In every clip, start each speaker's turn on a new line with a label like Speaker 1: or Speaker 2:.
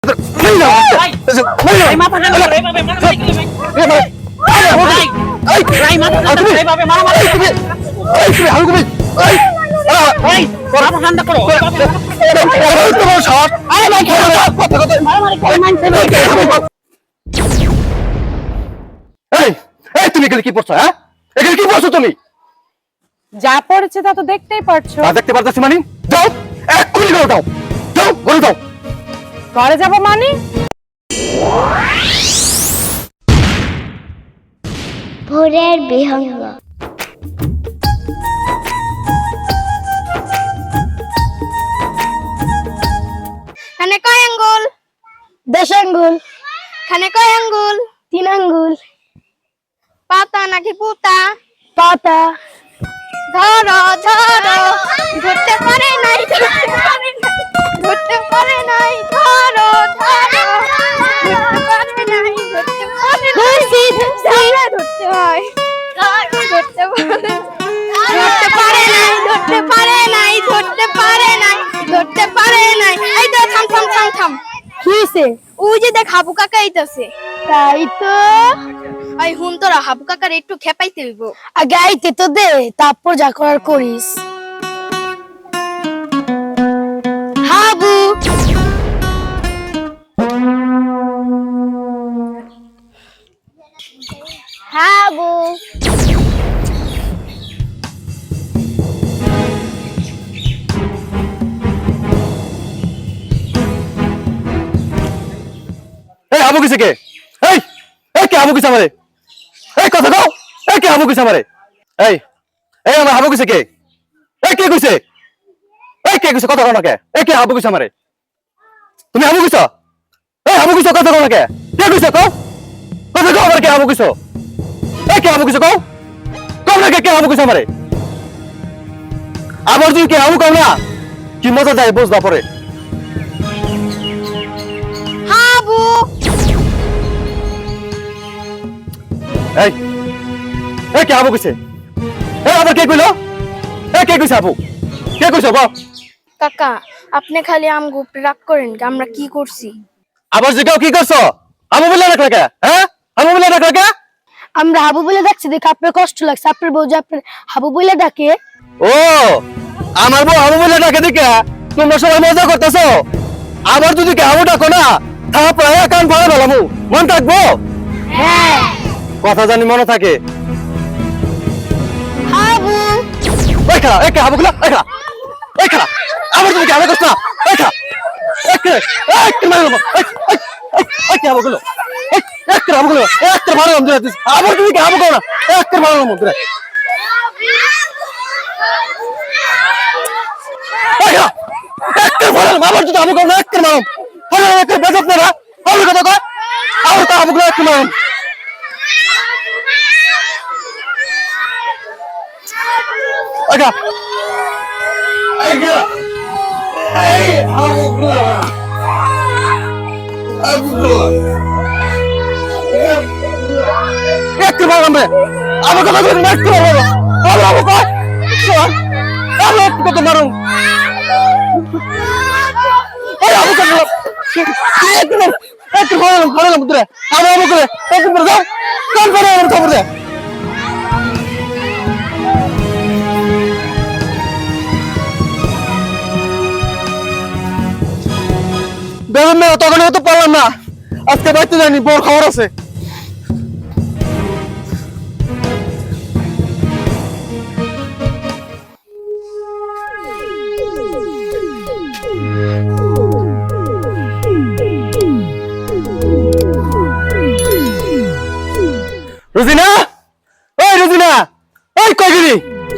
Speaker 1: তুমি এখানে কি পড়ছো? হ্যাঁ, এখানে কি পড়ছো তুমি?
Speaker 2: যা পড়েছে তা তো দেখতেই পারছো।
Speaker 1: দেখতে পারতেছি মানে? যাও, এক্ষুনি ঘরে যাও, যাও ঘরে যাও।
Speaker 2: ঘরে যাবো মানে?
Speaker 3: ভোরের বিহঙ্গ।
Speaker 4: খানে কয় আঙ্গুল?
Speaker 3: 10 আঙ্গুল।
Speaker 4: খানে কয় আঙ্গুল?
Speaker 3: 3 আঙ্গুল।
Speaker 4: পাতা নাকি পুতা?
Speaker 3: পাতা।
Speaker 4: ধরো ধরো, ধরতে পারে নাই, ধরতে পারে নাই, ধরো ধরো, ধরতে পারে নাই, ধরতে পারে নাই, ধরতে হয়, ধরতে পারে নাই, ধরতে পারে নাই, ধরতে পারে নাই, ধরতে পারে নাই। এই তো থাম থাম থাম থাম।
Speaker 3: কি হইছে?
Speaker 4: ওই যে দেখ হাবু কাকা আইতাছে।
Speaker 3: তাই তো।
Speaker 4: ওই হুন তোরা হাবু কাকার একটু খেপাইতে হইব।
Speaker 3: আগে আইতে তো দে, তারপর যা করার করিস। হাবু। হাবু।
Speaker 1: এই হাবু কিসে কে? এই এই কে হাবু কিসে আমারে? এই কথা কও, এই কে হাবু কিসে আমারে? এই এই আমার হাবু কিসে কে? এই কে কইছে? এই কে কইছে কথা কও না কে? এই কে হাবু কিসে আমারে? তুমি হাবু কিসো? এই হাবু কিসো কথা কও না কে? কে কইছে কও? কথা কও আমার কে হাবু কিসো? এই কে হাবু কিসো কও? কও না কে হাবু কিসে আমারে? আবার তুই কে হাবু কও না? কি মজা যায় বুঝবা পরে।
Speaker 4: হাবু।
Speaker 1: এই এই কে হাবু কইছে? এই আবার কে কইলো? এই কে কইছে হাবু? কে কইছে বল?
Speaker 4: কাকা আপনি খালি আমগো উপরে রাগ করেন কি? আমরা কি করছি?
Speaker 1: আবার জিগাও কি করছো? হাবু বলে রাখলা কে? হ্যাঁ, হাবু বলে রাখলা কে?
Speaker 3: আমরা হাবু বলে ডাকছি দেখে আপনার কষ্ট লাগছে। আপনার বউ যে আপনার হাবু বলে ডাকে।
Speaker 1: ও আমার বউ হাবু বলে ডাকে দেখে তোমরা সবাই মজা করতেছো। আবার যদি কে হাবু ডাকো না তারপরে কান ফাড়া ফেলামু, মন থাকবো?
Speaker 3: হ্যাঁ।
Speaker 1: কথা জানি মনে থাকে।
Speaker 3: হাবু।
Speaker 1: এই খালা, এই কে হাবু গুলা, এই খালা, এই খালা, আবার তুমি কে হাবু করছো না? এই খালা, এই কে মারলাম, এই কে হাবু গুলো, এই কে হাবু গুলো, এই কে মারলাম দিলা দিস। আবার তুমি কে হাবু করো না, এই কে মারলাম দিলা। এই খালা, এক কে মারলাম, আবার যদি হাবু করো না, এক কে মারলাম। হলো এক কে বেজত না, হলো কথা কয়, আবার তো হাবু গুলো এক কে মারলাম। আচ্ছা একটু মারলাম রে, আমার কথা বলুন একটু মারলাম, আমার কয় আমি একটু কত মারুন, এই আবু কত একটু মারলাম মারলাম তোরে, আমার আবু করে একটু করে দাও, কাল করে আমার খবর দে। বেগুন মেয়ে তখন তো পারলাম না, আজকে বাড়িতে জানি বড় খবর আছে। রুজিনা, ওই রুজিনা, ওই কই গেলি?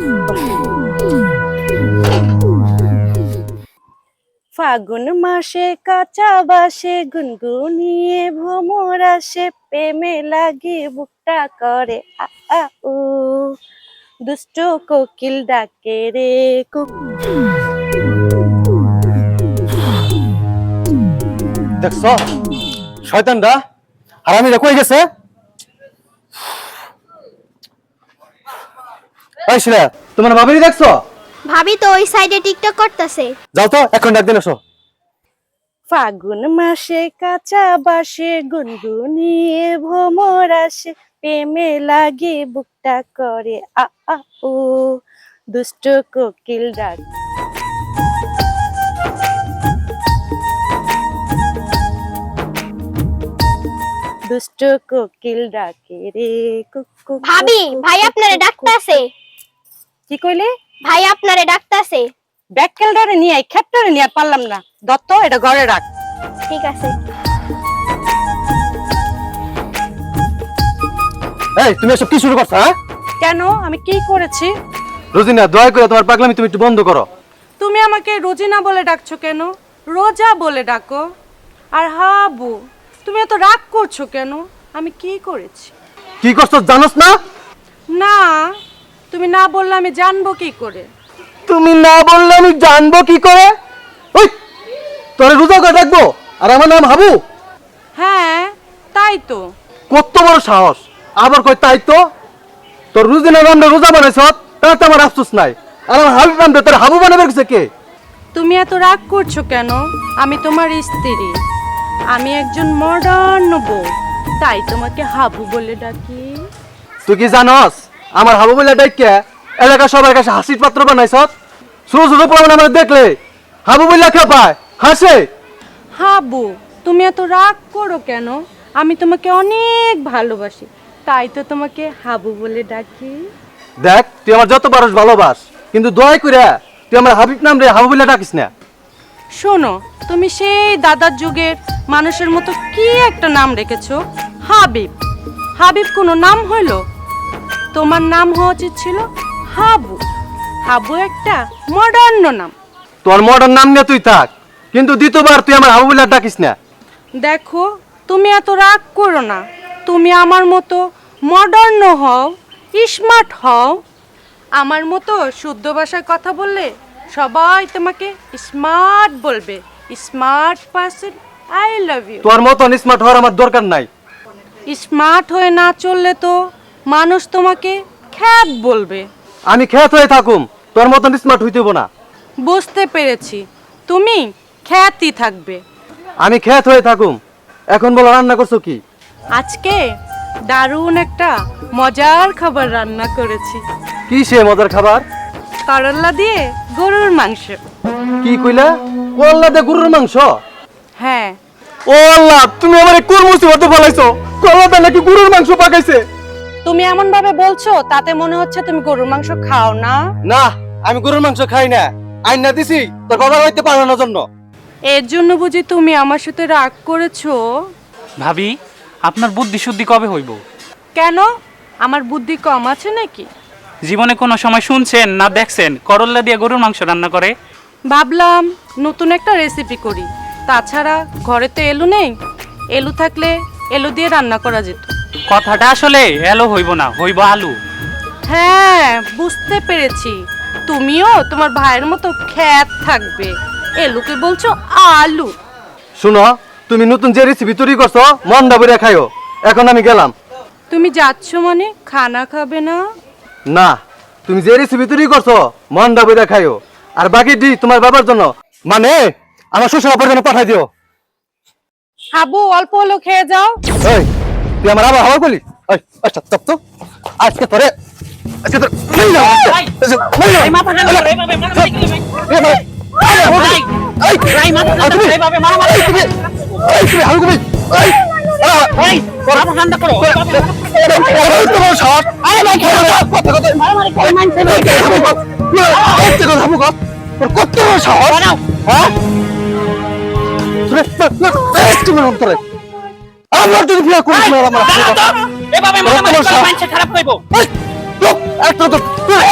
Speaker 2: ফাগুন মাসে কাঁচা বাসে গুনগুনিয়ে ভ্রমর আসে, প্রেমে লাগে বুকটা করে আ আ উ, দুষ্ট কোকিল ডাকে রে
Speaker 1: দেখছ শয়তানরা হারামিরা কই গেছে? এই শিলা, তোমার ভাবিনি দেখছো?
Speaker 4: ভাবি তো ওই সাইডে টিকটক করতেছে।
Speaker 1: যাও তো এখন ডাক দিন এসো।
Speaker 2: ফাগুন মাসে কাঁচা বাসে গুনগুনিয়ে ভ্রমর আসে, প্রেমে লাগে বুকটা করে আ আ ও, দুষ্ট কোকিল ডাক। দুষ্ট কোকিল ডাকে রে কুক কুক
Speaker 4: ভাবি,
Speaker 2: কুক
Speaker 4: ভাই
Speaker 2: কুক
Speaker 4: আপনারে
Speaker 2: কুক
Speaker 4: ডাকতাছে।
Speaker 2: কি কইলে?
Speaker 4: ভাই আপনারে ডাকতাছে।
Speaker 2: ব্যাককেলটারে নিয়ে আই, খেপটারে নিয়ে আর পারলাম না। দত্ত, এটা ঘরে রাখ।
Speaker 4: ঠিক আছে।
Speaker 1: এই তুমি এসব কি শুরু করছো? হ্যাঁ
Speaker 2: কেন? আমি কি করেছি?
Speaker 1: রোজিনা, দয়া করে তোমার পাগলামি তুমি একটু বন্ধ করো।
Speaker 2: তুমি আমাকে রোজিনা বলে ডাকছো কেন? রোজা বলে ডাকো। আর হাবু, তুমি এত রাগ করছো কেন? আমি কি করেছি?
Speaker 1: কি করছো জানোস না?
Speaker 2: না, তুমি না বললে আমি জানবো কি করে?
Speaker 1: তুমি না বললে আমি জানবো কি করে? ওই তোরে রোজা করে ডাকবো আর আমার নাম হাবু?
Speaker 2: হ্যাঁ, তাই তো।
Speaker 1: কত বড় সাহস! আবার কই তাই তো? তোর রোজিনা নামটা রোজা বানাইছ, তার তো আমার আফসোস নাই। আর আমার হাবিব নামটা তোর হাবু বানাবে গেছে কে?
Speaker 2: তুমি এত রাগ করছো কেন? আমি তোমার স্ত্রী, আমি একজন মডার্ন বউ, তাই তোমাকে হাবু বলে ডাকি।
Speaker 1: তুই কি জানস আমার হাবু বলে ডাইকে এলাকা সবার কাছে হাসির পাত্র বানাইছ? ছোট ছোট পোলাপান আমার দেখলে হাবু বলে খেপায়, হাসে।
Speaker 2: হাবু, তুমি এত রাগ করো কেন? আমি তোমাকে অনেক ভালোবাসি, তাই তো তোমাকে হাবু বলে ডাকি।
Speaker 1: দেখ, তুই আমার যত পারস ভালোবাস, কিন্তু দয়া করে তুই আমার হাবিব নাম রে হাবু বলে ডাকিস না।
Speaker 2: শোনো, তুমি সেই দাদার যুগের মানুষের মতো কি একটা নাম রেখেছো, হাবিব। হাবিব কোনো নাম হইল? তোমার নাম হওয়া উচিত ছিল হাবু। হাবু একটা মডার্ন নাম।
Speaker 1: তোর মডার্ন নাম নিয়ে তুই থাক, কিন্তু দ্বিতীয়বার তুই আমার হাবু বলে ডাকিস না।
Speaker 2: দেখো, তুমি এত রাগ করো না। তুমি আমার মতো মডার্ন হও, স্মার্ট হও। আমার মতো শুদ্ধ ভাষায় কথা বললে সবাই তোমাকে স্মার্ট বলবে। Smart person, I love you.
Speaker 1: তোর মতন স্মার্ট হওয়ার আমার দরকার নাই।
Speaker 2: স্মার্ট হয়ে না চললে তো মানুষ তোমাকে খ্যাত বলবে।
Speaker 1: আমি খ্যাত হয়ে থাকুম, তোর মতন স্মার্ট হইতে হইব না।
Speaker 2: বুঝতে পেরেছি, তুমি খ্যাতই থাকবে।
Speaker 1: আমি খ্যাত হয়ে থাকুম। এখন বলো, রান্না করছো কি?
Speaker 2: আজকে দারুণ একটা মজার খাবার রান্না করেছি।
Speaker 1: কি সে মজার খাবার?
Speaker 2: করল্লা দিয়ে গরুর মাংস।
Speaker 1: কি কইলা? করলা দে গরুর মাংস?
Speaker 2: হ্যাঁ।
Speaker 1: ও আল্লাহ, তুমি আমারে কোন মুসিবতে ফলাইছো? করলা দে নাকি গরুর মাংস পাকাইছে?
Speaker 2: তুমি এমন ভাবে বলছো, তাতে মনে হচ্ছে তুমি গরুর মাংস খাও না।
Speaker 1: না, আমি গরুর মাংস খাই না। আইনা দিছি তোর বাবার হইতে পারানোর জন্য।
Speaker 2: এর জন্য বুঝি তুমি আমার সাথে রাগ করেছো?
Speaker 5: ভাবি, আপনার বুদ্ধি শুদ্ধি কবে হইব?
Speaker 2: কেন? আমার বুদ্ধি কম আছে নাকি?
Speaker 5: জীবনে কোনো সময় শুনছেন না দেখছেন করল্লা দিয়ে গরুর মাংস রান্না করে?
Speaker 2: ভাবলাম নতুন একটা রেসিপি করি। তাছাড়া ঘরে তো এলু নেই, এলু থাকলে এলু দিয়ে রান্না করা যেত।
Speaker 5: কথাটা আসলে এলো হইব না, হইব আলু।
Speaker 2: হ্যাঁ, বুঝতে পেরেছি। তুমিও তোমার ভাইয়ের মতো খ্যাত থাকবে। এলুকে বলছো আলু।
Speaker 1: শুনো, তুমি নতুন যে রেসিপি তৈরি করছো মন্ডা বইরা খাইও। এখন আমি গেলাম।
Speaker 2: তুমি যাচ্ছ মানে খানা খাবে না?
Speaker 1: না, তুমি যে রেসিপি তৈরি করছো মন্ডা বইরা খাইও। আর বাকি দি তোমার বাবার জন্য, মানে আমার শ্বশুর আব্বার জন্য পাঠাই দিও।
Speaker 2: হাবু, অল্প হলেও খেয়ে যাও।
Speaker 1: এই, তুই আমার আবার হাওয়া করলি? এই, আচ্ছা তপ তো আজকে তোরে আজকে তোর এই না, আজকে এই না।
Speaker 5: এই মাথা ঠান্ডা করো, এইভাবে মারামারি করলে ভাই।
Speaker 1: এই ভাই,
Speaker 5: ভাই,
Speaker 1: এই,
Speaker 5: ভাই, মাথা ঠান্ডা
Speaker 1: তুমি-
Speaker 5: করো, এইভাবে মারামারি
Speaker 1: এই, তুমি- এই, তুমি হাওয়া করবি? এই,
Speaker 5: ভাই, মাথা ঠান্ডা করো।
Speaker 1: তোমার সাহস? আরে ভাই, কথা কথা
Speaker 5: মারামারি করে মানছে না।
Speaker 1: কত বড় সাহস? হ্যাঁ? তোরে আমার যদি বিয়ে করিস না আমার
Speaker 5: দাঁড়াও তো, এভাবে মারামারি করে মানছে খারাপ কইব।
Speaker 1: একটা তো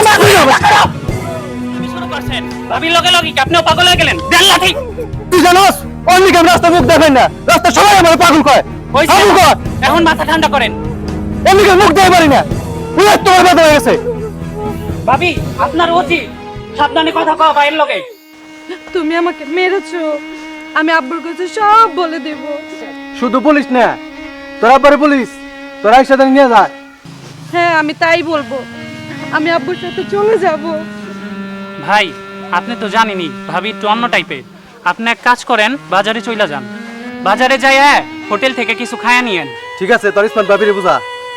Speaker 5: আপনি শুরু করছেন, ভাবির লগে লগে কি আপনিও পাগল হয়ে গেলেন? দেন লাঠি।
Speaker 1: তুই জানোস অন্যকে আমি রাস্তা মুখ দেখাই না, রাস্তা সবাই আমার পাগল কয়।
Speaker 5: হইছে,
Speaker 1: পাগল কয়,
Speaker 5: এখন মাথা ঠান্ডা করেন।
Speaker 1: অন্যকে মুখ দেখাই পারি না। পুরো তোমার ব্যথা হয়ে গেছে।
Speaker 5: ভাবি, আপনার উচিত সাবধানে কথা কওয়া ভাইয়ের লগে।
Speaker 2: তুমি আমাকে মেরেছো, আমি আব্বুর কাছে সব বলে দেব।
Speaker 1: শুধু বলিস না, তোরা পরে বলিস, তোরা একসাথে নিয়ে যা।
Speaker 2: হ্যাঁ, আমি তাই বলবো। আমি আব্বুর সাথে চলে যাব।
Speaker 5: ভাই, আপনি তো জানেনই ভাবি একটু অন্য টাইপের। আপনি এক কাজ করেন, বাজারে চইলা যান। বাজারে যাই হোটেল থেকে কিছু খায়া নিয়েন।
Speaker 1: ঠিক আছে, তোর ইসমাত ভাবিরে বুঝা।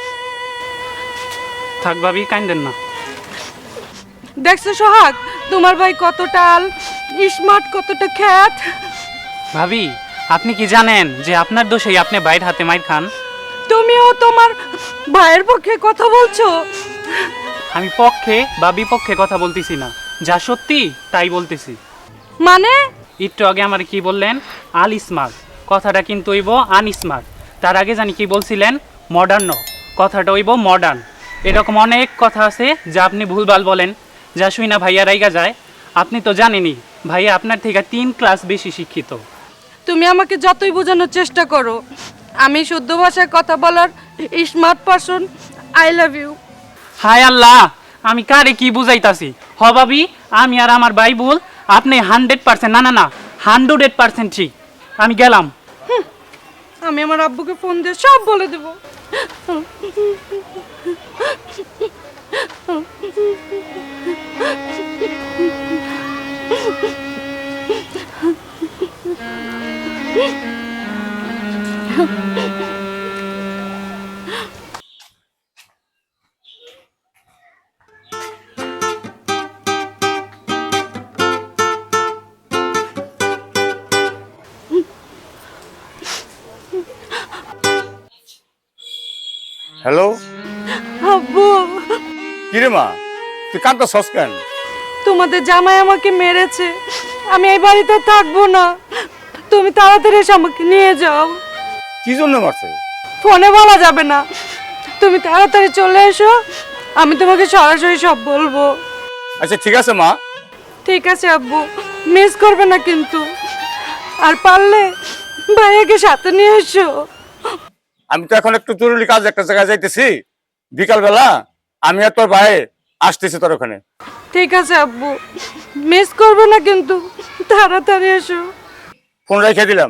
Speaker 5: থাক ভাবি, কাইন্দেন না।
Speaker 2: দেখছো সোহাগ, তোমার ভাই কত টাল, স্মার্ট, কতটা খ্যাত।
Speaker 5: ভাবি, আপনি কি জানেন যে আপনার দোষেই আপনি বাইরের হাতে মাইর খান?
Speaker 2: তুমিও তোমার ভাইয়ের পক্ষে কথা বলছো?
Speaker 5: আমি পক্ষে বা বিপক্ষে কথা বলতেছি না, যা সত্যি তাই বলতেছি।
Speaker 2: মানে?
Speaker 5: একটু আগে আমার কি বললেন? আল স্মার্ট, কথাটা কিন্তু হইব আনস্মার্ট। তার আগে জানি কি বলছিলেন? মডার্ন, কথাটা হইব মডার্ন। এরকম অনেক কথা আছে যা আপনি ভুলভাল বলেন, যা শুই না ভাইয়া রাইগা যায়। আপনি তো জানেনই ভাইয়া আপনার থেকে 3 ক্লাস বেশি শিক্ষিত।
Speaker 2: তুমি আমাকে যতই বোঝানোর চেষ্টা করো, আমি শুদ্ধ ভাষায় কথা বলার smart person. I love you.
Speaker 5: হায় আল্লাহ, আমি কারে কি বুঝাইতাছি? হ ভাবি, আমি আর আমার ভাই ভুল, আপনি 100%, না না না 100% ঠিক। আমি গেলাম।
Speaker 2: আমি আমার আব্বুকে ফোন দিয়ে সব বলে দেব।
Speaker 6: হ্যালো,
Speaker 2: আব্বু,
Speaker 6: কিরে মা, তুই কাঁদতেছস কেন?
Speaker 2: তোমাদের জামাই আমাকে মেরেছে, আমি এই বাড়িতে থাকবো না। তুমি তাড়াতাড়ি এসে আমাকে নিয়ে যাও।
Speaker 6: কি জন্য মারছে?
Speaker 2: ফোনে বলা যাবে না, তুমি তাড়াতাড়ি চলে এসো, আমি তোমাকে সরাসরি সব বলবো।
Speaker 6: আচ্ছা ঠিক আছে মা।
Speaker 2: ঠিক আছে আব্বু, মিস করবে না কিন্তু। আর পারলে ভাইয়াকে সাথে নিয়ে এসো।
Speaker 6: আমি তো এখন একটু জরুরি কাজ একটা জায়গায় যাইতেছি, বিকালবেলা আমি আর তোর ভাই আসতেছি তোর ওখানে।
Speaker 2: ঠিক আছে আব্বু, মিস করবে না কিন্তু, তাড়াতাড়ি এসো।
Speaker 6: ফোন রেখে দিলাম।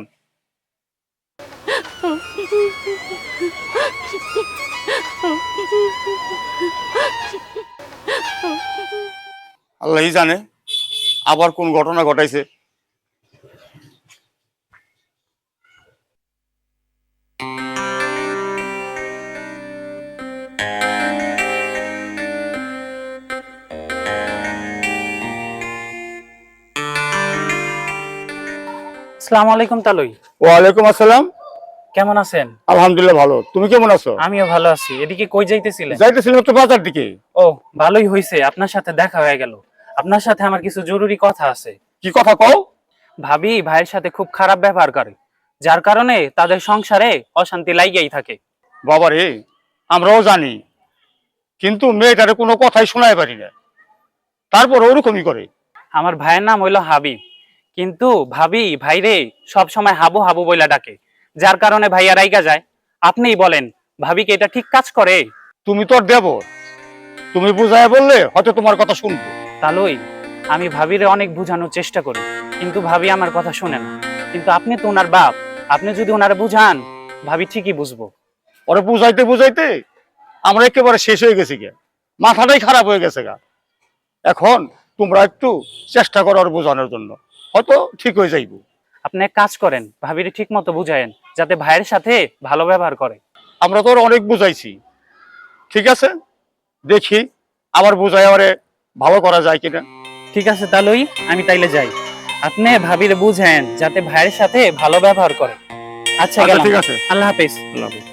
Speaker 6: আল্লাহই জানে আবার কোন ঘটনা ঘটাইছে।
Speaker 5: আসসালামু আলাইকুম তালুই।
Speaker 6: ওয়ালাইকুম আসসালাম।
Speaker 5: কেমন আছেন?
Speaker 6: আলহামদুলিল্লাহ ভালো, তুমি কেমন আছো?
Speaker 5: আমিও ভালো আছি। এদিকে কই যাইতেছিলেন?
Speaker 6: যাইতেছিলাম একটু বাজার দিকে।
Speaker 5: ও, ভালোই হইছে, আপনার সাথে দেখা হয়ে গেল। আপনার সাথে আমার কিছু জরুরি কথা আছে।
Speaker 6: কি কথা কও?
Speaker 5: ভাবি ভাইয়ের সাথে খুব খারাপ ব্যবহার করে, যার কারণে তাদের সংসারে অশান্তি লাইগাই থাকে।
Speaker 6: বাবারে, আমরাও জানি, কিন্তু মেয়েটারে কোনো কথাই শোনায় পারি না, তারপর ওরকমই করে।
Speaker 5: আমার ভাইয়ের নাম হইলো হাবিব, কিন্তু ভাবি ভাইরে সব সময় হাবু হাবু বইলা ডাকে, যার কারণে ভাইয়া রাইগা যায়। আপনিই বলেন, ভাবিকে এটা ঠিক কাজ করে?
Speaker 6: তুমি তোর দেব, তুমি বুঝায় বললে হয়তো তোমার কথা শুনবো।
Speaker 5: তালুই, আমি ভাবিরে অনেক বুঝানোর চেষ্টা করি, কিন্তু ভাবি আমার কথা শুনে না। কিন্তু আপনি তো ওনার বাপ, আপনি যদি ওনারে বুঝান, ভাবি ঠিকই বুঝবো।
Speaker 6: ওরে বুঝাইতে বুঝাইতে আমরা একেবারে শেষ হয়ে গেছি গে, মাথাটাই খারাপ হয়ে গেছে গা। এখন তোমরা একটু চেষ্টা করো ওর বোঝানোর জন্য, হয়তো ঠিক হয়ে যাইব।
Speaker 5: আপনি এক কাজ করেন, ভাবিরে ঠিক মতো বুঝায়েন, যাতে ভাইয়ের সাথে ভালো ব্যবহার করে।
Speaker 6: আমরা তো ওর অনেক বুঝাইছি, ঠিক আছে, দেখি আবার বুঝাই ওরে ভালো করা যায় কিনা।
Speaker 5: ঠিক আছে তালুই, আমি তাইলে যাই। আপনি ভাবিরে বুঝায়েন যাতে ভাইয়ের সাথে ভালো ব্যবহার করে। আচ্ছা, গেলাম।
Speaker 6: ঠিক আছে,
Speaker 5: আল্লাহ হাফেজ।
Speaker 6: আল্লাহ হাফেজ।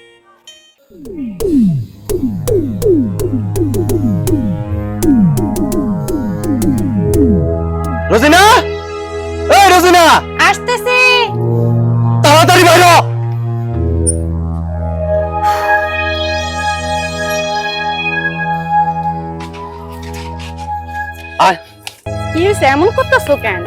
Speaker 1: রোজিনা, এই রোজিনা,
Speaker 4: আসতেছি।
Speaker 1: তাড়াতাড়ি বাইরে হ। আয়।
Speaker 2: কি হয়েছে, এমন করতেছো কেন?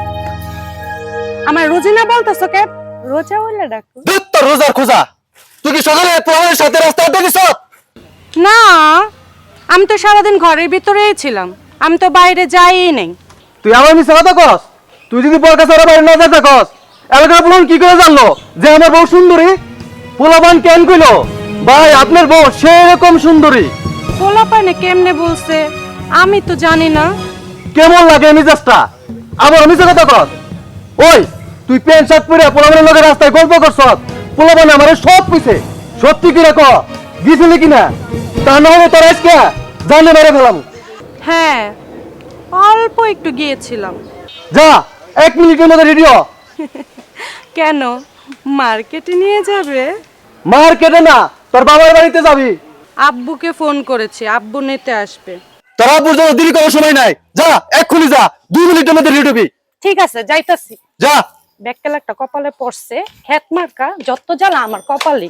Speaker 2: আমার রোজিনা বলতেছো কেন? রোজা বলে ডাকো।
Speaker 1: ধুর, তোর রোজার খোঁজা। তুই কি সকালে তোমার সাথে রাস্তা আড্ডা দিছ?
Speaker 2: না, আমি তো সারাদিন ঘরের ভিতরেই ছিলাম, আমি তো বাইরে যাইই নাই।
Speaker 1: তুই আমার মিছে কথা কস? তুই যদি বর কাছে ওরা বাইরে না যেতে কস, এলাকার পোলাপান কি করে জানলো যে আমার বউ সুন্দরী? পোলাপান কেন কইলো ভাই আপনার বউ সেরকম সুন্দরী?
Speaker 2: পোলাপানে কেমনে বলছে আমি তো জানি না।
Speaker 1: কেমন লাগে মেজাজটা? আবার মিছে কথা কস? ওই তুই প্যান্ট শার্ট পরে পোলাবানের লগে রাস্তায় গল্প করছ, পোলাবান আমারে সব কইছে, সত্যি কি রাখ গিয়েছিলি কিনা? তা না হলে তোর আজকে জানে মেরে ফেলাম।
Speaker 2: হ্যাঁ, অল্প একটু গিয়েছিলাম।
Speaker 1: যা 1 মিনিটের মধ্যে রেডি হ।
Speaker 2: কেন, মার্কেটে নিয়ে যাবে?
Speaker 1: মার্কেটে না, তোর বাবার বাড়িতে যাবি।
Speaker 2: আব্বুকে ফোন করেছি, আব্বু নিতে আসবে।
Speaker 1: তোর আব্বুর জন্য দেরি করার সময় নাই, যা এক্ষুনি যা, 2 মিনিটের মধ্যে রেডি হবি।
Speaker 2: ঠিক আছে, যাইতাছি।
Speaker 1: যা।
Speaker 2: ব্যাককেল একটা কপালে পড়ছে, হ্যাত মার্কা যত জ্বালা আমার কপালে।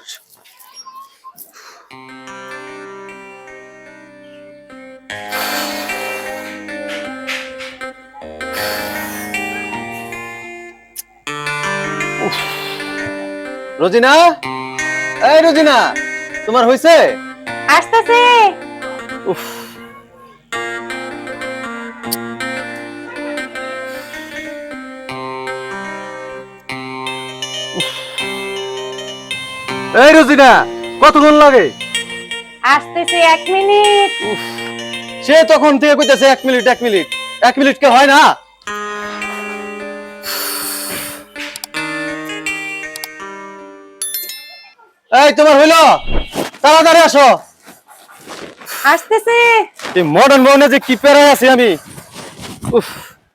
Speaker 1: রোজিনা, এই রোজিনা, তোমার হইছে?
Speaker 2: আসতেছে।
Speaker 1: উফ, এই রোজিনা, কতক্ষণ লাগে?
Speaker 2: আসতেছে, 1 মিনিট।
Speaker 1: সে তখন থেকে কইতেছে 1 মিনিট 1 মিনিট, 1 মিনিট কে হয় না? এই তোমার হইলো? তাড়াতাড়ি আসো।
Speaker 2: আসতেছে।
Speaker 1: এই মডার্ন বউনে যে কি পেরায় আছি আমি। উফ,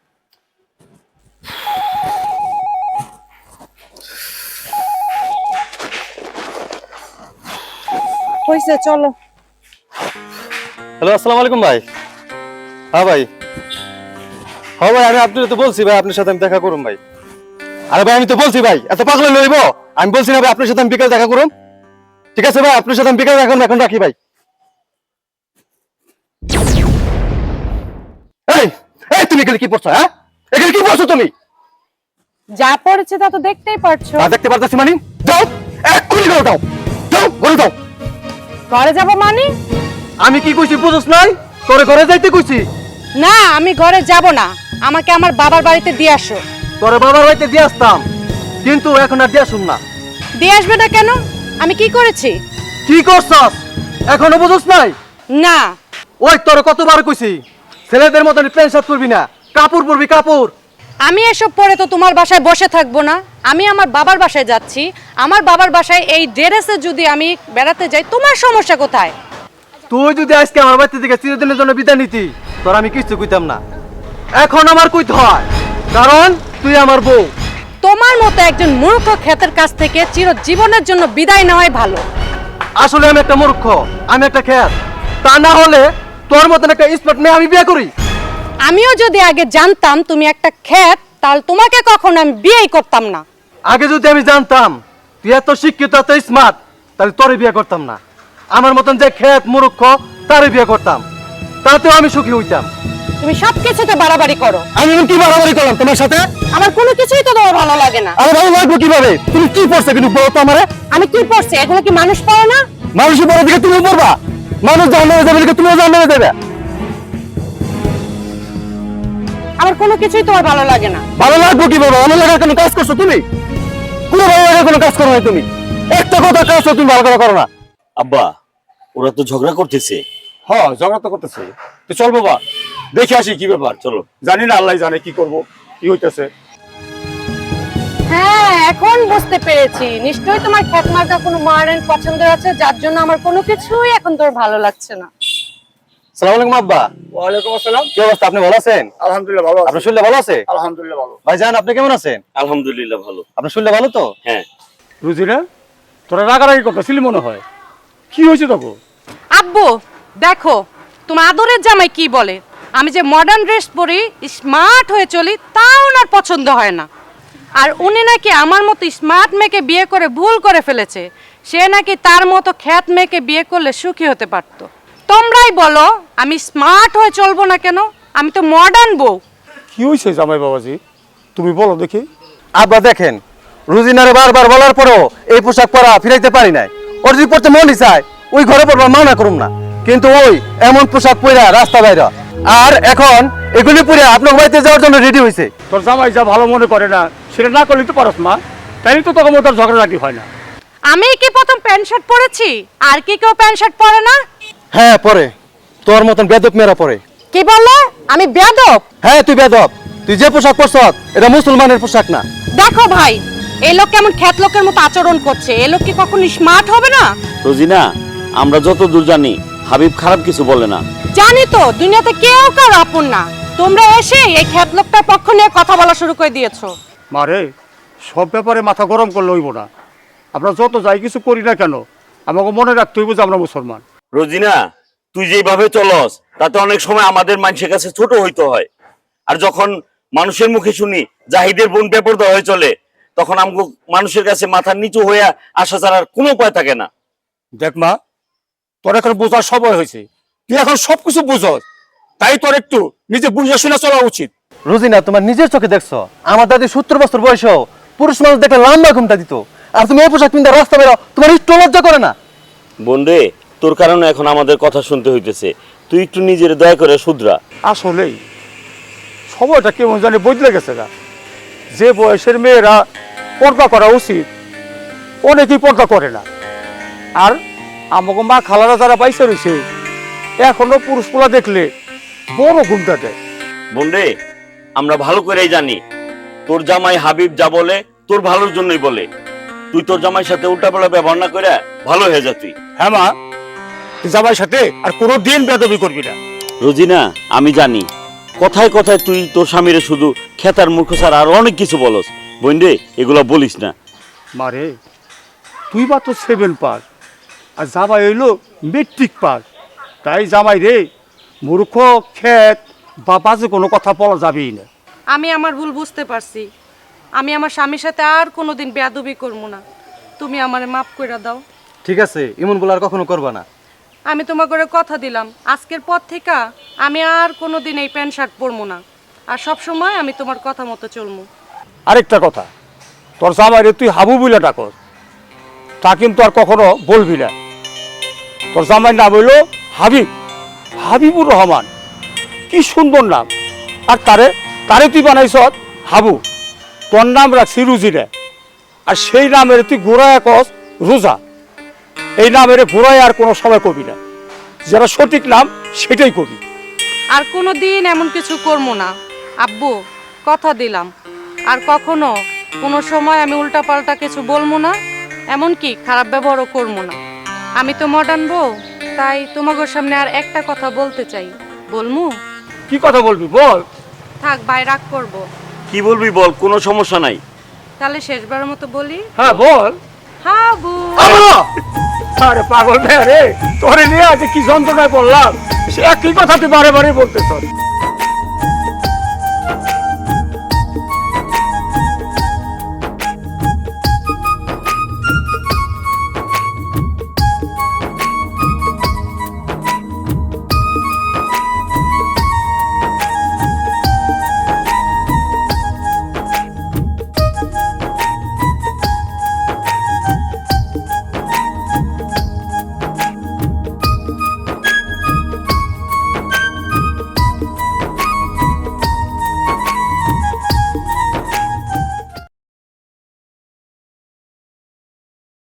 Speaker 2: হইছে, চলো।
Speaker 1: হ্যালো, আসসালামু আলাইকুম ভাই। হ্যাঁ ভাই, হ্যাঁ ভাই, আমি আপনার তো বলছি ভাই আপনার সাথে আমি দেখা করুম ভাই। আরে ভাই আমি তো বলছি ভাই, এত পাগল লইব? আমি বলছি না ভাই আপনার সাথে আমি বিকাল দেখা করুম। ঠিক আছে ভাই, আপনার সাথে আমি বিকাল দেখা করুম, এখন রাখি ভাই। এই এই তুমি এখানে কি পড়ছো? হ্যাঁ, এখানে কি পড়ছো তুমি?
Speaker 2: যা পড়েছে তা তো দেখতেই পারছো।
Speaker 1: না দেখতে পারতেছি মানে? যাও এক্ষুনি ঘরে যাও, যাও ঘরে যাও।
Speaker 2: ঘরে যাব মানে?
Speaker 1: আমি কি কইছি বুঝছ নাই? তোরে ঘরে যাইতে কইছি।
Speaker 2: না, আমি ঘরে যাব না, আমাকে আমার বাবার বাড়িতে দিয়ে আসো।
Speaker 1: তোরে বাবার বাড়িতে দিয়ে আসতাম, কিন্তু এখন আর দিয়ে আসুম না।
Speaker 2: দিয়ে আসবে না কেন? আমি কি করেছি?
Speaker 1: কি করছস এখনো বুঝছ নাই?
Speaker 2: না।
Speaker 1: ওই তোর কতবার কইছি ছেলেদের মতন প্যান্ট শার্ট পরবি না, কাপড় পরবি কাপড়।
Speaker 2: আমি এসব পরে তো তোমার বাসায় বসে থাকবো না। আমি আমার বাবার বাসায় যাচ্ছি, আমার বাবার বাসায় এই ড্রেসে যদি আমি বেড়াতে যাই, তোমার সমস্যা কোথায়?
Speaker 1: তুই যদি আজকে আমার বাড়িতে থেকে চিরদিনের জন্য বিদায় নিতি, তোর আমি কিছু কইতাম না। এখন আমার কইতে হয়, কারণ তুই আমার বউ।
Speaker 2: তোমার মতো একজন মূর্খ ক্ষেতের কাছ থেকে চিরজীবনের জন্য বিদায় নেওয়াই ভালো।
Speaker 1: আসলে আমি একটা মূর্খ, আমি একটা খেত। তা না হলে তোর মতন একটা স্মার্ট মেয়ে আমি বিয়ে করি।
Speaker 2: আমিও যদি আগে জানতাম তুমি একটা ক্ষেত, তাহলে তোমাকে কখনো আমি বিয়েই করতাম না।
Speaker 1: আগে যদি আমি জানতাম তুই এত শিক্ষিত এত স্মার্ট, তাহলে তোরে বিয়ে করতাম না। আমার মতন যে খেত মূর্খ তারে বিয়ে করতাম, তাতেও আমি সুখী হইতাম।
Speaker 2: তুমি সবকিছুতে বাড়াবাড়ি করো।
Speaker 1: আমি কি বাড়াবাড়ি করলাম তোমার সাথে?
Speaker 2: আমার কোনো কিছুই তো তোমার ভালো লাগে না।
Speaker 1: আরে ভালো লাগবে কিভাবে? তুমি কি পড়ছো কিন্তু বলো তো আমারে।
Speaker 2: আমি কি পড়ছি? এগুলো কি মানুষ পড়ে না?
Speaker 1: মানুষের পড়ার দিকে তুমি পড়বা, মানুষ জাহান্নামে যাবে দিকে তুমিও জাহান্নামে যাবে।
Speaker 2: আমার কোনো কিছুই তোমার ভালো লাগে না।
Speaker 1: ভালো লাগবে কিভাবে? ভালো লাগার কোনো কাজ করছো তুমি? কোনো ভালো লাগার কোনো কাজ করো না তুমি। একটা কথা কাজ তুমি ভালো করে করো না।
Speaker 7: আব্বা, ওরা তো ঝগড়া করতেছে।
Speaker 6: হ্যাঁ, ঝগড়া তো করতেছে। তো চল বাবা, দেখে আসি কি ব্যাপার। চলো, জানি না, আল্লাহ জানে কি করব, কি হইতেছে।
Speaker 2: হ্যাঁ, এখন বুঝতে পেরেছি, নিশ্চয়ই তোমার ক্ষেত মার্কা কোনো মডার্ন পছন্দ আছে, যার জন্য আমার কোনো কিছুই এখন তোর ভালো লাগছে না।
Speaker 1: আসসালামু আলাইকুম আব্বা।
Speaker 6: ওয়ালাইকুম আসসালাম।
Speaker 1: কি অবস্থা? আপনি ভালো আছেন?
Speaker 6: আলহামদুলিল্লাহ ভালো আছি।
Speaker 1: আপনার শরীর ভালো আছে?
Speaker 6: আলহামদুলিল্লাহ ভালো।
Speaker 1: ভাইজান আপনি কেমন আছেন?
Speaker 7: আলহামদুলিল্লাহ ভালো।
Speaker 1: আপনার শরীর ভালো তো?
Speaker 7: হ্যাঁ।
Speaker 6: রুজিনা, তোরা রাগারাগি করতেছিলি মনে হয়, কি হয়েছে তখন?
Speaker 2: আব্বু দেখো, তোমার আদরের জামাই কি বলে, আমি যে মডার্ন ড্রেস পরি, স্মার্ট হয়ে চলি, তাও ওনার পছন্দ হয় না। আর উনি নাকি আমার মতো স্মার্ট মেয়েকে বিয়ে করে ভুল করে ফেলেছে। সে নাকি তার মতো খ্যাত মেয়েকে বিয়ে করলে সুখী হতে পারতো। তোমরাই বলো, আমি স্মার্ট হয়ে চলবো না কেন? আমি তো মডার্ন বউ।
Speaker 6: কি হয়েছে জামাই বাবাজি, তুমি বলো দেখি।
Speaker 1: আব্বা দেখেন, রুজিনারে বারবার বলার পরও এই পোশাক পরা ফিরাইতে পারি নাই। ওর যদি পড়তে মনই চায় ওই ঘরে পড়বা মানা করুম না, কিন্তু ওই এমন পোশাক পরা রাস্তা বাইরে, আর এখন এগুলি পরে আপনার বাড়িতে যাওয়ার জন্য রেডি হয়েছে।
Speaker 6: তোর জামাই যা ভালো মনে করে না সেটা না করলে তো পারস মা, তাই তো তখন তোর ঝগড়াঝাটি হয় না।
Speaker 2: আমি কি প্রথম প্যান্ট শার্ট পরেছি? আর কি কেউ প্যান্ট শার্ট পরে না?
Speaker 1: হ্যাঁ পরে, তোর মতন বেদব মেয়েরা পরে।
Speaker 2: কি বলে? আমি বেয়াদব?
Speaker 1: হ্যাঁ তুই বেদব। তুই যে পোশাক পরছ এটা মুসলমানের পোশাক না।
Speaker 2: দেখো ভাই, এই লোক কেমন খ্যাত লোকের মতো আচরণ করছে। এই লোক কি কখনো স্মার্ট হবে না?
Speaker 7: রোজিনা, আমরা যত দূর জানি হাবিব খারাপ কিছু বলে না।
Speaker 2: জানি তো, দুনিয়াতে কেউ কারো আপন না। তোমরা এসে এই খ্যাত লোকটার পক্ষ নিয়ে কথা বলা শুরু করে দিয়েছো।
Speaker 6: মারে, সব ব্যাপারে মাথা গরম করলে হইব না। আমরা যত যাই কিছু করি না কেন, আমাকে মনে রাখতে হইব যে আমরা মুসলমান।
Speaker 7: রোজিনা, তুই যেভাবে চলস তাতে অনেক সময় আমাদের মানুষের কাছে ছোট হইতে হয়। আর যখন মানুষের মুখে শুনি জাহিদের বোন বেপরদা হয়ে চলে, তখন আমগো মানুষের কাছে মাথার নিচু হয়ে আসা ছাড়ার কোনো উপায় থাকে না।
Speaker 6: দেখ মা, তোর এখন বোঝার সময় হয়েছে, তুই এখন সবকিছু বুঝস, তাই তোর একটু নিজে বুঝে শুনে চলা উচিত।
Speaker 1: রোজিনা, তোমার নিজের চোখে দেখছো আমার দাদি 70 বছর বয়সেও পুরুষ মানুষ দেখলে লম্বা ঘুমটা দিত, আর তুমি এই পোশাক কিনতে রাস্তা বেরো, তোমার একটু লজ্জা করে না?
Speaker 7: বোন রে, তোর কারণে এখন আমাদের কথা শুনতে হইতেছে। তুই একটু নিজের দয়া করে শুধরা।
Speaker 6: আসলেই সময়টা কেমন জানি বদলে গেছে গা। যে বয়সের মেয়েরা পর্দা করা উচিত অনেকেই পর্দা করে না। আর আমাকে মা খালারা যারা পাইছে রয়েছে এখনো পুরুষ পোলা দেখলে বড় ঘুমটা দেয়।
Speaker 7: বোন রে, আমরা ভালো করেই জানি তোর জামাই হাবিব যা বলে তোর ভালোর জন্যই বলে। তুই তোর জামাইয়ের সাথে উল্টাপাল্টা ব্যবহার না করে ভালো হয়ে যা তুই।
Speaker 6: হ্যাঁ মা, তুই জামাইয়ের সাথে আর কোনো দিন বেয়াদবি করবি না।
Speaker 7: রোজিনা, আমি জানি কথায় কথায় তুই তোর স্বামীরে শুধু খেতার মূর্খ ছাড়া আর অনেক কিছু বলস। বোন রে, এগুলা বলিস না।
Speaker 6: মারে, তুই বা তো 7 পাস আর জামাই হইলো মেট্রিক পাস। তাই জামাই রে মূর্খ, খেত বা বাজে কোনো কথা বলা যাবেই না।
Speaker 2: আমি আমার ভুল বুঝতে পারছি। আমি আমার স্বামীর সাথে আর কোনোদিন বেয়াদবি করবো না। তুমি আমারে মাফ করে দাও।
Speaker 1: ঠিক আছে, এমন বলে আর কখনো করবা না।
Speaker 2: আমি তোমার করে কথা দিলাম, আজকের পর থেকে আমি আর কোনোদিন এই প্যান্ট শার্ট পরবো না। আর সব সময় আমি তোমার কথা মতো চলবো।
Speaker 6: আরেকটা কথা, তোর জামাইরে তুই হাবু বলে ডাকস, তা কিন্তু আর কখনো বলবি না। তোর জামাই নাম হইল হাবিব, হাবিবুর রহমান। কি সুন্দর নাম। আর তারে তুই বানাইছ হাবু, তোর নাম রাখছি রুজিরে। আর সেই নামের তুই ঘোরায় কস রোজা। এই নামের ঘোরায় আর কোনো সময় কবি না, যেটা সঠিক নাম সেটাই কবি।
Speaker 2: আর কোনোদিন এমন কিছু করবো না আব্বু, কথা দিলাম। আর কখনো কোনো সময় আমি উল্টাপাল্টা কিছু বলবো না, এমনকি খারাপ ব্যবহারও করবো না। আমি তো মডার্ন বউ, তাই তোমাদের সামনে আর একটা কথা বলতে চাই। বলমু?
Speaker 6: কি কথা বলবি বল।
Speaker 2: থাক ভাই, রাগ করবো।
Speaker 7: কি বলবি বল, কোনো সমস্যা নাই।
Speaker 2: তাহলে শেষবারের মতো বলি,
Speaker 6: হ্যাঁ বল।
Speaker 2: হাবু।
Speaker 6: আরে পাগল মেয়ে রে, তোরে নিয়ে আজ কি যন্ত্রণায় পড়লাম, সে একই কথা তুই বারে বারে বলতে চল।